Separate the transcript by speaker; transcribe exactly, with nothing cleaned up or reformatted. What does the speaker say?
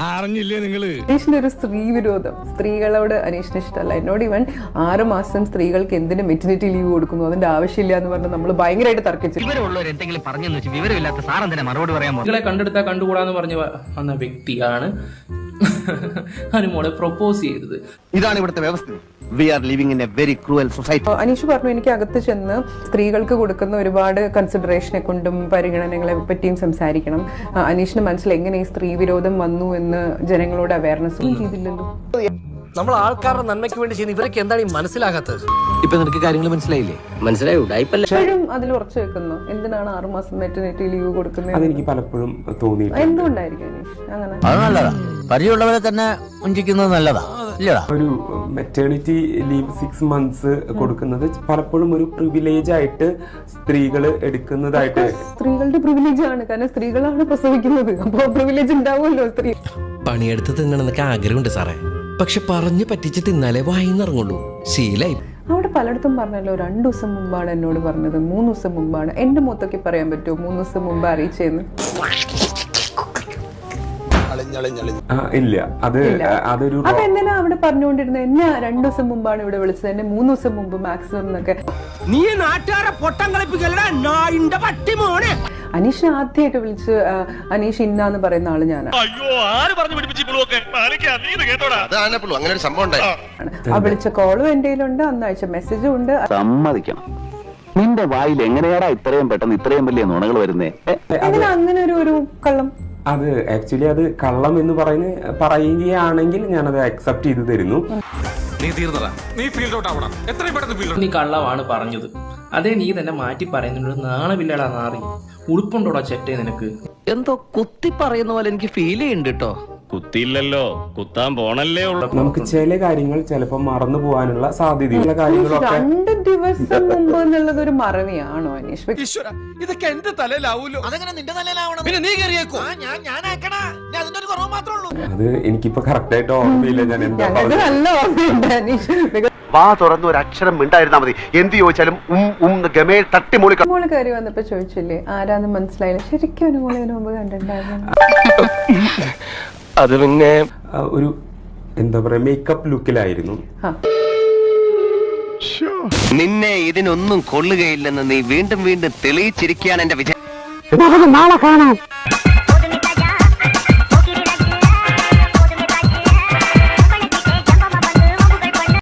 Speaker 1: അറിഞ്ഞില്ലേ നിങ്ങള്?
Speaker 2: അനീഷിന്റെ ഒരു സ്ത്രീ വിരോധം, സ്ത്രീകളോട് അനീഷിന് ഇഷ്ടമല്ല. എന്നോട് ഇവൻ ആറ് മാസം സ്ത്രീകൾക്ക് എന്തിന് മെറ്റർനിറ്റി ലീവ് കൊടുക്കുന്നു, അതിന്റെ ആവശ്യമില്ല എന്ന് പറഞ്ഞ് നമ്മൾ ഭയങ്കരമായിട്ട് തർക്കിച്ചു.
Speaker 3: നിങ്ങളെ കണ്ടെടുത്താൽ കണ്ടുകൂടാന്ന് പറഞ്ഞ് വന്ന വ്യക്തിയാണ് അനുമോളെ പ്രൊപ്പോസ് ചെയ്തത്.
Speaker 4: ഇതാണ് ഇവിടുത്തെ വ്യവസ്ഥ. We are living in a very cruel society.
Speaker 2: Aneesh പറഞ്ഞു, എനിക്ക് അകത്ത് ചെന്ന് സ്ത്രീകൾക്ക് കൊടുക്കുന്ന ഒരുപാട് കൺസിഡറേഷനെ കൊണ്ടും പരിഗണനകളെ പറ്റിയും സംസാരിക്കണം. അനീഷിന് മനസ്സിൽ എങ്ങനെ ഈ സ്ത്രീ വിരോധം വന്നു എന്ന് ജനങ്ങളോട് അവയർനെസ്സും ചെയ്തില്ലല്ലോ.
Speaker 5: നമ്മൾ ആൾക്കാരുടെ നന്മയ്ക്ക് വേണ്ടി ചെയ്യുന്ന ഇവരൊക്കെ എന്താണ് ഈ മനസ്സിലാകാത്തത്?
Speaker 6: ഇപ്പൊ നിനക്ക് കാര്യങ്ങൾ മനസ്സിലായില്ലേ? മനസ്സിലായോ?
Speaker 2: ഇപ്പോഴും അതിൽ ഉറച്ചു വെക്കുന്നു. എന്തിനാണ് ആറുമാസം മെറ്റർനിറ്റി ലീവ് കൊടുക്കുന്നത്?
Speaker 7: അതെനിക്ക് പലപ്പോഴും തോന്നി.
Speaker 2: എന്തുകൊണ്ടായിരിക്കും അനീഷ് അങ്ങനെ?
Speaker 6: അത് നല്ലതാ, പരിചയമുള്ളവരെ തന്നെ വഞ്ചിക്കുന്നത് നല്ലതാ.
Speaker 7: ഒരു മെറ്റേണിറ്റി ലീവ് സിക്സ് മന്ത്സ് കൊടുക്കുന്നത് പലപ്പോഴും ഒരു പ്രിവിലേജ് ആയിട്ട് സ്ത്രീകൾ എടുക്കുന്നതായിട്ട്.
Speaker 2: സ്ത്രീകളുടെ പ്രിവിലേജ് ആണ്, കാരണം സ്ത്രീകളാണ് പ്രസവിക്കുന്നത്. അപ്പോൾ പ്രിവിലേജ് ഉണ്ടാവുമല്ലോ. സ്ത്രീ
Speaker 5: പണിയെടുത്ത് തിന്നണമെന്നൊക്കെ ആഗ്രഹമുണ്ട് സാറേ, പക്ഷെ പറഞ്ഞു പറ്റിച്ച് തിന്നാലേ വായിന്നിറങ്ങുള്ളൂ. ശീലായി.
Speaker 2: അവിടെ പലയിടത്തും പറഞ്ഞല്ലോ, രണ്ടു ദിവസം മുമ്പാണ് എന്നോട് പറഞ്ഞത്, മൂന്ന് ദിവസം മുമ്പാണ്. എന്റെ മുത്തൊക്കെ പറയാൻ പറ്റുമോ മൂന്ന് ദിവസം മുമ്പ് അറിയിച്ചെന്ന്?
Speaker 7: ഇല്ല, അത് അതൊരു
Speaker 2: അതെന്തിനാ അവിടെ പറഞ്ഞുകൊണ്ടിരുന്നത്? എന്നെ രണ്ടു ദിവസം മുമ്പാണ് ഇവിടെ വിളിച്ചത്, എന്നെ മൂന്ന് ദിവസം മുമ്പ് മാക്സിമം എന്നൊക്കെ. അനീഷിനെ ആദ്യമായിട്ട് വിളിച്ച് അനീഷ് ഇന്നാന്ന് പറയുന്ന ആള് ഞാനാണ്. ആ വിളിച്ച കോളും എന്റെ കയ്യിലുണ്ട്, അന്ന് അയച്ച മെസ്സേജും ഉണ്ട്.
Speaker 4: സമ്മതിക്കണം, നിന്റെ വായിൽ എങ്ങനെയാടാ ഇത്രയും പെട്ടെന്ന് ഇത്രയും വലിയ നുണകൾ വരുന്നേ?
Speaker 2: അതിന് അങ്ങനെ ഒരു ഒരു കള്ളം.
Speaker 7: അത് ആക്ച്വലി അത് കള്ളം എന്ന് പറയുന്ന പറയുകയാണെങ്കിൽ ഞാനത് അക്സെപ്റ്റ് ചെയ്തു തരുന്നു.
Speaker 3: നീ കള്ളമാണ് പറഞ്ഞത്, അതേ നീ തന്നെ മാറ്റി പറയുന്നുണ്ട്. നാണമില്ലടാ നാറി. ഉടുപ്പുണ്ടോടാ ചെറ്റേ നിനക്ക്?
Speaker 6: എന്തോ കുത്തി പറയുന്ന പോലെ എനിക്ക് ഫീൽ ചെയ്യുന്നുണ്ട് കേട്ടോ.
Speaker 1: കുത്തിയില്ലല്ലോ, കുത്താൻ പോണല്ലേ ഉള്ളു.
Speaker 7: നമുക്ക് ചില കാര്യങ്ങൾ ചിലപ്പോൾ മറന്നു പോകാനുള്ള സാധ്യതയുള്ള കാര്യങ്ങളൊക്കെ.
Speaker 2: രണ്ട് ദിവസം മുമ്പ് എന്നുള്ളത് ഒരു മറവിയാണോ അനീഷ്?
Speaker 1: ഇതൊക്കെ എന്റെ തലയിലാവൂലോ. അതെങ്ങനെ നിന്റെ തലയിലാവണം? പിന്നെ നീ കയറിയേക്കോ?
Speaker 7: അത് എനിക്കിപ്പോ കറക്റ്റ് ആയിട്ട് ഓർമ്മയില്ല ഞാൻ എന്താ പറഞ്ഞത്.
Speaker 2: നല്ല ഓർമ്മയുണ്ട് അനീഷ്.
Speaker 4: വാ തുറന്ന് ഒരു അക്ഷരം മിണ്ടായിരുന്നാ മതി. എന്ത് ചോദിച്ചാലും ഉം ഉം ഗമേൽ തട്ടിമൂളി.
Speaker 2: മോള് കയറി വന്നപ്പോ ചോദിച്ചില്ലേ ആരാന്ന് മനസ്സിലായില്ല? ശരിക്കും ഒരു മോളെ മുമ്പ് കണ്ടിട്ടുണ്ടായിരുന്നു.
Speaker 4: അത് പിന്നെ
Speaker 7: ഒരു എന്താ പറയാ മേക്കപ്പ് ലുക്കിലായിരുന്നു.
Speaker 4: നിന്നെ ഇതിനൊന്നും കൊള്ളുകയില്ലെന്ന് നീ വീണ്ടും വീണ്ടും തെളിയിച്ചിരിക്കുകയാണ് എന്റെ വിജയം. നാളെ കാണാം.